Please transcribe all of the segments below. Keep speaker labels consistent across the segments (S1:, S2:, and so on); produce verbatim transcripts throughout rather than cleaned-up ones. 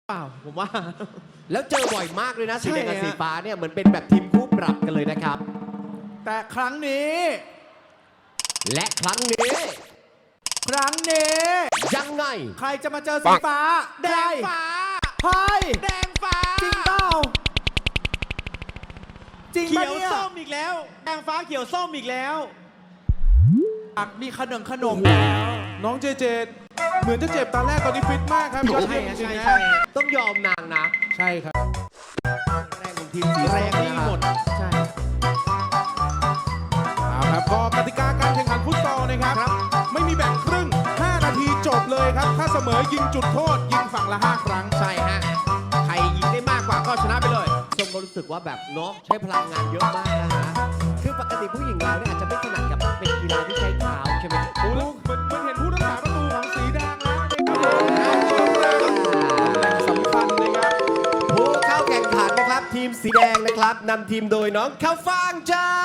S1: เปล่าผมว่า
S2: แล้วเจอบ่อยมากเลยนะสีแดงกับสีฟ้าเนี่ยเหมือนเป็นแบบทีมคู่ปรับกันเลยนะครับ
S3: แต่ครั้งนี้
S2: และครั้งนี้
S3: ครั้งนี้
S2: ยังไง
S3: ใครจะมาเจอสีฟ้า
S1: แดงฟ้า
S3: ใคร
S1: แดงฟ้า
S3: จริงเปล่าจริง
S1: เขี
S3: ปะ
S1: ยว
S3: เนี่ย
S1: ส้มอีกแล้วแดงฟ้าเขียวส้มอีกแล้ว
S3: มีขนมขนม
S4: น้องเจเจเหมือนจะเจ็บตอนแรกตอนนี้ฟิตมากครับยอด
S1: ใช่
S4: เยี่ยมจ
S1: ใช่
S4: ริงๆ
S1: ใช่
S4: นะ
S2: ต้องยอมนางนะ
S4: ใช่ครับ
S2: แรงของทีมสี
S1: แร
S2: แรง ง
S1: นี่หมดใช่
S4: เอาครับก็กติกาการแข่งขันฟุตซอลนะครับ ไม่มีแบ่งครึ่ง ห้า นาทีจบเลยครับ ถ้าเสมอยิงจุดโทษ ยิงฝั่งละ ห้า ครั้ง
S1: ใช่ฮะใครยิงได้มากกว่าก็ชนะไปเลย
S2: ส้มก็รู้สึกว่าแบบเนาะใช้พลังงานเยอะมากนะฮะคือปกติผู้หญิงเราเนี่ยอาจจะไม่ถนัดกับเป็นกีฬาที่ใช้เท้าใช่ไหม
S4: โอ้แล้วเหมือนเหมือนเห็นผู้รักษาประตูของสีแดงแล้วนะครับตำแหน่งสำคัญนะครับ
S2: ผู้เข้าแข่งขันนะครับทีมสีแดงนะครับนำทีมโดยน้องข้าวฟ่างจ้า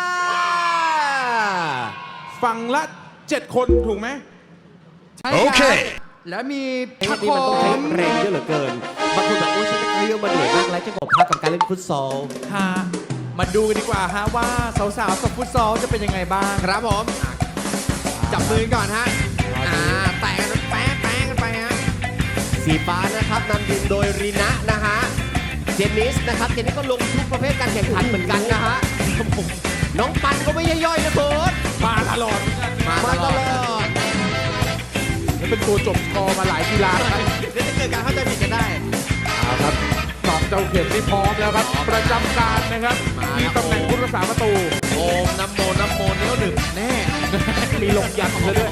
S4: ฝั่งละ เจ็ด คนถูกไหม
S3: ใช่ครับแล้วมี
S2: เอ้ย
S3: พัก
S2: นี่
S3: โค
S2: มันต้องใช้
S3: ม
S2: แรงเยอะเหลือเกินบางคนแบบโอ้ยฉันจะเลี้ยวมาเหนื่อยมากแล้วจะบอกพักกับการเล่นฟุตซอล
S3: ฮะมาดูกันดีกว่าฮะว่าสาวๆกับฟุตซอลจะเป็นยังไงบ้าง
S1: ครับผมอ่ะจับมือกันก่อนฮะอ่าแตะกันแป๊ะแป๊ะกันไปฮะ
S2: สีฟ้านะครับนำทีมโดยรีนะนะฮะเจนนิสนะครับเจนนิสก็ลงทุกประเภทการแข่งขันเหมือนกันนะฮะน้องปันก็ไม่ย่อยๆนะโค้ช
S4: มาตลอด
S1: มา
S2: มา
S1: ต
S2: ต
S1: ล
S2: ล
S1: อ
S2: อ
S1: ด
S2: ด
S4: และเป็นตัวจบสกอร์มาหลายกีฬาครับ
S1: เดี๋ยวจะเกิดการเข้าใจผิดกันได้
S4: เอาครับสองเจ้าเข็มนี่พร้อมแล้วครับ ประจำการนะครับ
S1: มา
S4: ที่
S1: ครับ
S4: ตำแหน่งผู้รักษาประตู
S1: โอมน้ำโมน้ำโมเนี้ยวหนึ่งแน่
S4: มีลงยันซะด้วย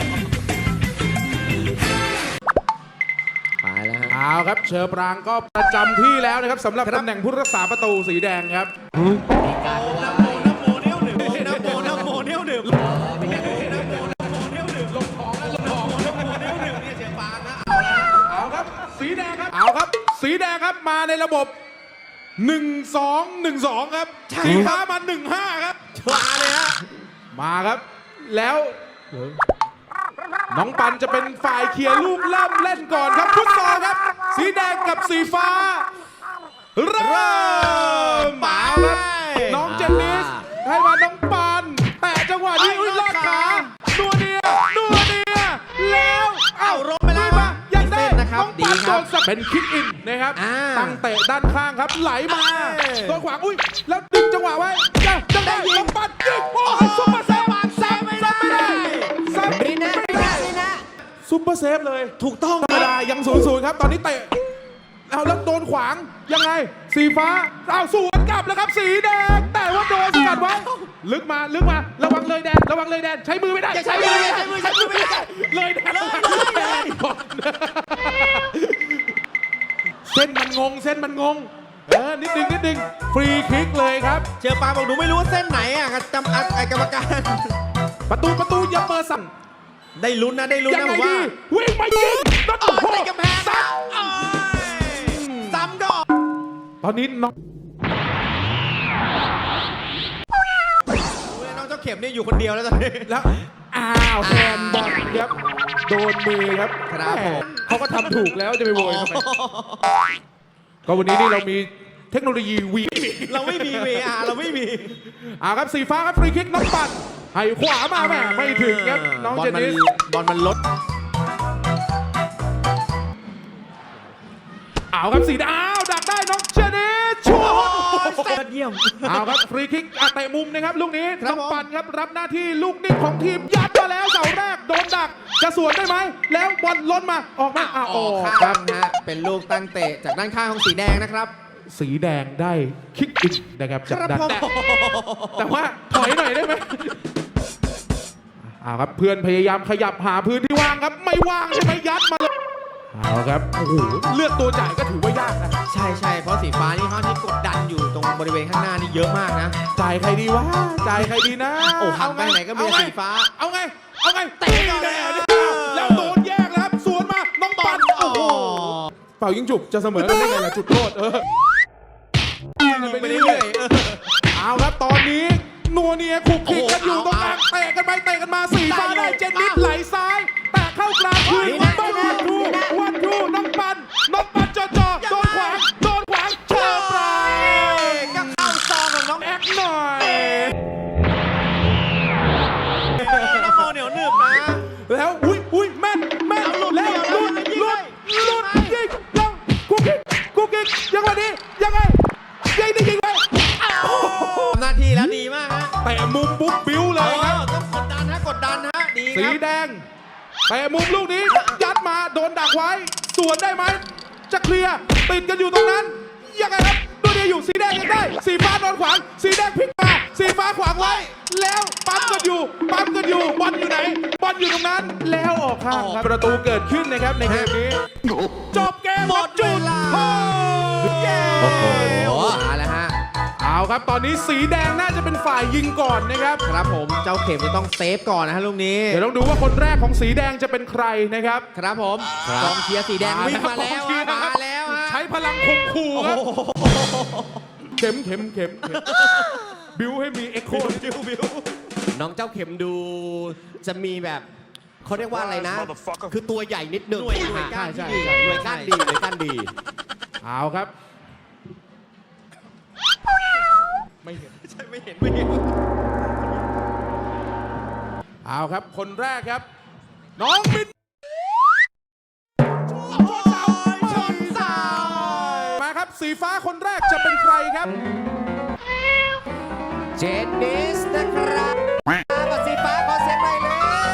S2: ไปแล้วฮะ
S4: เอาครับเชอปรางก็ประจำที่แล้วนะครับสำหรับตำแหน่งผู้รักษาประตูสีแดงครับ
S1: น้ำโมน้ำโมเนี้ยวหนึ่งน้ำโมน้ำโมเนี้ยวหนึ่งน้ำโมน้ำโมเนี้ยวหนึ่งลงของแล้วลงของน้ำโมเนี้ยวหนึ่งเนี่ยเสียงปานนะเอาละ
S4: เอาครับสีแดงครับเอาครับ สีแดงครับมาในระบบ หนึ่ง สอง หนึ่ง สอง ครับสีฟ้ามา หนึ่ง ห้า ครับ
S1: มาเลยฮะ
S4: มาครับ แล้วน้องปันจะเป็นฝ่ายเคลียร์ลูกเริ่มเล่นก่อนครับฟุตซอลครับ สีแดงกับสีฟ้า เริ่มมาครับน้องเจนนิสให้มาน้องปันแต่จังหวะนี้อุ้ยลอดขานัวเนียนัวเนียแล้ว
S1: เอ้าลงไปแล้ว
S4: มายังได้
S1: เส้นนะครับ
S4: น้องปัน
S1: ดีค
S4: โด
S1: รับ
S4: นสับเป็นคิกอินนะครับ
S1: อ่า
S4: ตั้งเตะด้านข้างครับไหลมา
S1: เอ้ย
S4: โดนขวางอุ้ยแล้วดึงจังหวะไว้จะจะได้น้องปันยิงโอ้โหซุปเปอร์เซฟแซฟไม่ได้แซฟ
S2: รีนะรีนะรีนะ
S4: ซุปเปอร์เซฟเลย
S1: ถูกต้อง
S4: ธรรมดายังศูนย์ศูนย์ครับ ตอนนี้เตะเอาแล้วโดนขวางยังไง สีฟ้าเอาสวนกลับแล้วครับ สีแดง แต่ว่าโดนสกัดไว้ ลึกมาลึกมาระวังเลยแดนระวังเลยแดนใช้มือไม่ได้
S1: อย่าใช้มืออย่าใช้มือใช้มือไม่ได้
S4: เลยแดน
S1: เลยเลยแดน
S4: เส้นมันงงเส้นมันงงเออนิดนึงนิดนึงฟรีคิกเลยครับ
S1: เจอปาบอกหนูไม่รู้ว่าเส้นไหนอ่ะจำไอ้กรรมการ
S4: ประตูประตูอย่าเปิดสั่ง
S1: ได้ลุ้นนะได้ลุ้น
S4: ยัง
S1: นะ
S4: ไง
S1: ผมว่า
S4: ดีวิ่งมายิงแล้ว
S1: โอ้
S4: โอ้โห
S1: ยติดกำแพง
S4: ซัด
S1: โอ้ยซ้ำดอก
S4: ตอนนี้น้อง
S1: น้องเจ้าเข็มเนี่ยอยู่คนเดียวแล้วตอนนี้
S4: แล้วอ้าวแฮนด์บอลครับโดนมือครับ
S1: ครับผม
S4: เขาก็ทำถูกแล้วจะไปโวยทำไมก็วันนี้นี่เรามีเทคโนโลยีวี
S1: เราไม่มี วี อาร์ เราไม่มี
S4: อ่าครับสีฟ้าครับฟรีคิกน้องปัดให้ขวามาแม่ไม่ถึงครับน้อง
S1: บอ
S4: เจ
S1: ล
S4: น
S1: มัน
S4: นิส
S1: บอลมันลด
S4: เอาครับสีดาวดักได้น้องเจนนิสชัวร์
S1: ยอดเยี่ยม
S4: เอาครับฟรีคิกอ่ะเตะมุมนะครับลูกนี้
S1: ครับ
S4: น้อง
S1: ผม
S4: ปันครับรับหน้าที่ลูกนิ่งของทีมยัดมาแล้วเสาแรกโดนดักจะสวนได้ไหมแล้วบอลล้นมาออกมาอ่ะ
S1: อ
S4: อ
S1: อ
S4: อก ก
S1: ข้า
S4: ครับ
S1: งฮะเป็นลูกตั้งเตะจากด้านข้างของสีแดงนะครับ
S4: สีแดงได้คิกอินนะครับจากด้าน
S1: ผม
S4: แต่แต่ว่าถอยหน่อยได้ไหมเอาครับเพื่อนพยายามขยับหาพื้นที่ว่างครับไม่ว่างใช่ไหมยัดมาเลยเอาครับโอ้โหเลือกตัวจ่ายก็ถือว่ายากนะ
S1: ใช่ใช่เพราะสีฟ้านี่เขาที่กดดันอยู่ตรงบริเวณข้างหน้านี่เยอะมากนะ
S4: จ่ายใครดีวะจ่ายใครดีนะ
S1: โอ้หันไปไหนก็มี
S4: เอาง
S1: สีฟ้า
S4: เอาไงเอาไง
S1: เตะก่อนเลย
S4: แล้วโดนแยกแล้วครับสวนมาน้องปันโอ้โหเป่ายิงจุบจะเสมอกันได้ไงล่ะจุดโทษเออ
S1: ยิงไปเรื่อยๆเออ
S4: เอาครับตอนนี้นัวเนียคุกคิกกันอยู่
S1: โอ้
S4: ต
S1: โห
S4: รงกลาง
S1: เอา
S4: เตะกันไปเตะกันมาสี่
S1: ได้
S4: ฟ้า
S1: อยู่
S4: ได้เจนนิส
S1: มา
S4: ไหลซ้ายแต่เข้ากลางคืน
S2: นี่นะ
S4: ต้อง
S2: นี่
S4: วัน
S2: นะ
S4: ทูวันทูน้องปันน้องปันจ่อจ่อโดนขวาแต่มุมลูกนี้ยัดมาโดนดักไว้สวนได้ไหมจะเคลียร์ติดกันอยู่ตรงนั้นยังไงครับดูดีอยู่สีแดงยังได้สีฟ้าโดนขวางสีแดงพลิกมาสีฟ้าขวางไว้แล้วปั๊มกันอยู่ปั๊มกันอยู่บอลอยู่ไหนบอลอยู่ตรงนั้นแล้วออกข้างครับประตูเกิดขึ้นนะครับในเกมนี้จบเกมหมดจุดโทษเย้
S2: โอ้โหมาแล้วฮะ
S4: เอาครับตอนนี้สีแดงน่าจะเป็นฝ่ายยิงก่อนนะครับ
S2: ครับผมเจ้าเข็มจะต้องเซฟก่อนนะฮะลูกนี้
S4: เดี๋ยวต้องดูว่าคนแรกของสีแดงจะเป็นใครนะครับ
S2: ครับผมกองเชียร์สีแดงวิ่งมาแล้ว
S4: กองเชียร์นะ
S2: มา
S4: ครับ
S2: แล้วฮะ
S4: ใช้พลังข่มขู่ครับเข็มเข็มเข็มเข็มบิวให้มีเอ็กโคบิวบิว
S2: น้องเจ้าเข็มดูจะมีแบบเขาเรียกว่าอะไรนะ คือตัวใหญ่นิดหนึง
S1: หน่วยหน่วย
S2: ใช่
S1: ก้าน
S2: ใช่
S1: ที่ดี
S2: หน่วยก้านดีหน่วยก้านดี
S4: เอาครับไม่เห็น
S1: ใช่ไม่เห็นไม่เห็น
S4: เอาครับคนแรกครับ น้องมินชนเสามาครับสีฟ้าคนแรกจะเป็นใครครับ
S2: เจนนิสนะครับกับสีฟ้าขอเสียงหน่อยเลย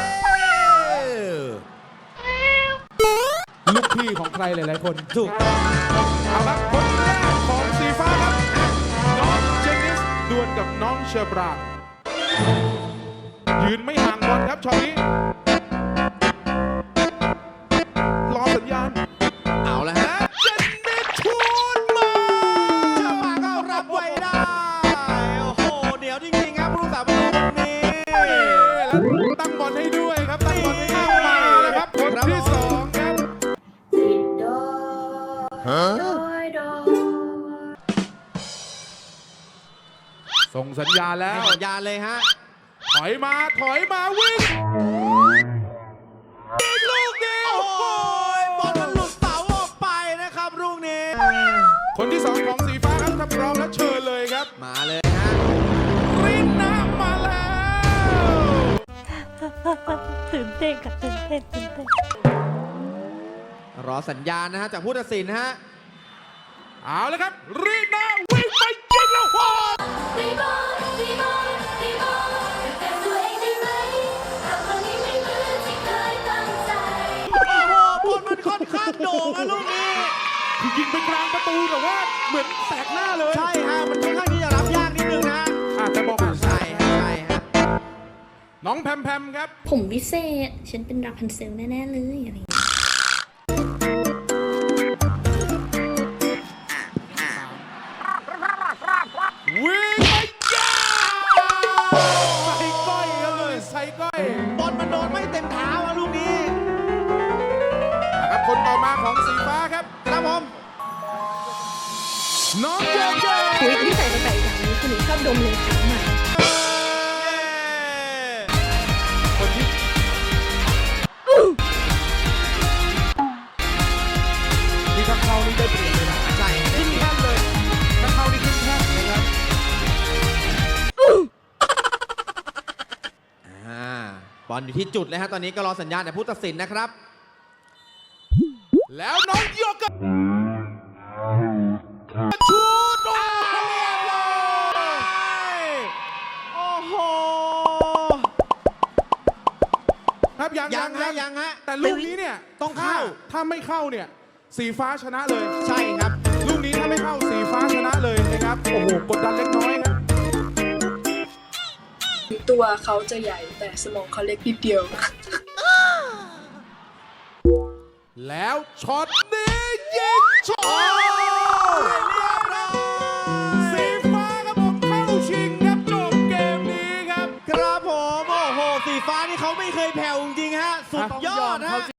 S4: ลูกพี่ของใครหลายๆคน
S2: ถูกต้อง
S4: เอาครับคนแรกของสีฟ้าครับ น้องเจนนิสดวลกับน้องเชอร์บรานยืนไม่ห่างบอลครับช็อตนี้ รอสัญญาณ
S2: เอาละฮะ
S4: เจนนิสชูดมา
S1: เชื่อมาก็รับไว้ได้ โอ้โห เดี๋ยวจริงๆครับผู้รักษาประตูคนนี้
S4: แล้วตั้งบอลให้ด้วยครับ ตั้งบอลให้ด้วยมาแล้วครับคนที่สองครับ ส่งสัญญาณแล้ว
S2: ให้สัญญาณเลยฮะ
S4: ถอยมา ถอยมาวิ่งอีกลูกเดียว
S1: โอ้โหบอลมันหลุดเสาออกไปนะครับลูกนี้
S4: คนที่สองของสีฟ้าครับถ้าพร้อมแล้วเชิญเลยครับ
S2: มาเลยฮะ
S4: รินน้ำมาแล้ว
S5: ตื่นเต้นกับตื่นเต้นตื่นเต้น
S2: รอสัญญาณนะฮะจากผู้ตัดสินฮะ
S4: เอาเลยครับรินน้ำวิ่งไปยิงแล้วโอ้
S6: ตีบอลตีบอลตีบอลแต่ตัวเองได้ไหมทำวันนี้ไม่เหมือนที่เคยตั้งใจ
S1: โอ้โหบอลมันค่อนข้างโด่งนะลูกนี้
S4: คือยิงไปกลางประตูแต่ว่าเหมือนแสกหน้าเลย
S1: ใช่ฮะ มันค่อนข้างที่จะรับยากนิดนึงนะ
S4: อ่ะแต่บอก
S2: ใช่ฮะใช่ฮะ
S4: น้องแพมแพมครับ
S5: ผมวิเศษ ฉันเป็นราพันเซลแน่ ๆ เลยอะไรอย่างเงี้ย
S4: วิ่งไปยาใส่ก้อยครับเลยใส่ก้อย
S1: บอลมันโดนไม่เต็มเท้าอะลูกนี้
S4: ครับคนต่อมาของสีฟ้าครับ
S1: ครับผม
S4: น้องเจเจ
S5: คุยที่ใส่ตั้งแต่อย่างนี้คือหนูชอบดมเลยค่ะหมา
S4: คนที่นี่ถ้าเข้านี่ได้เปรียบเลยนะ
S2: ใช่
S4: ขึ้นแท่นเลยถ้าเข้านี่ขึ้นแท่นนะครับ
S2: อ่าบอลอยู่ที่จุดเลยฮะตอนนี้ก็รอสัญญาณจากผู้ตัดสินนะครับ
S4: แล้วน้องโยกกับชูดโอ้เรียบร้อย
S1: โอ้โห
S4: ครับยัง
S1: ยัง
S4: ครั
S1: ฮะ
S4: บ
S1: ยังฮะ
S4: แต่ลูกนี้เนี่ย
S1: ต้องเข้า
S4: ถ้ถ้าไม่เข้าเนี่ยสีฟ้าชนะเลย
S1: ใช่ครับ
S4: ลูกนี้ถ้าไม่เข้าสีฟ้าชนะเลยนะครับ โอ้โห กดดันเล็กน้อยครับ
S7: ตัวเขาจะใหญ่แต่สมองเขาเล็กนิดเดียว
S4: แล้วช็อตนี้ยิงช็อตสีฟ้าครับผมเข้าชิงครับจบเกมนี้ครับ
S1: ครับผม โอ้โห สีฟ้านี่เขาไม่เคยแผ่วจริงๆฮะ สุดยอด
S4: เขา
S1: ฮะ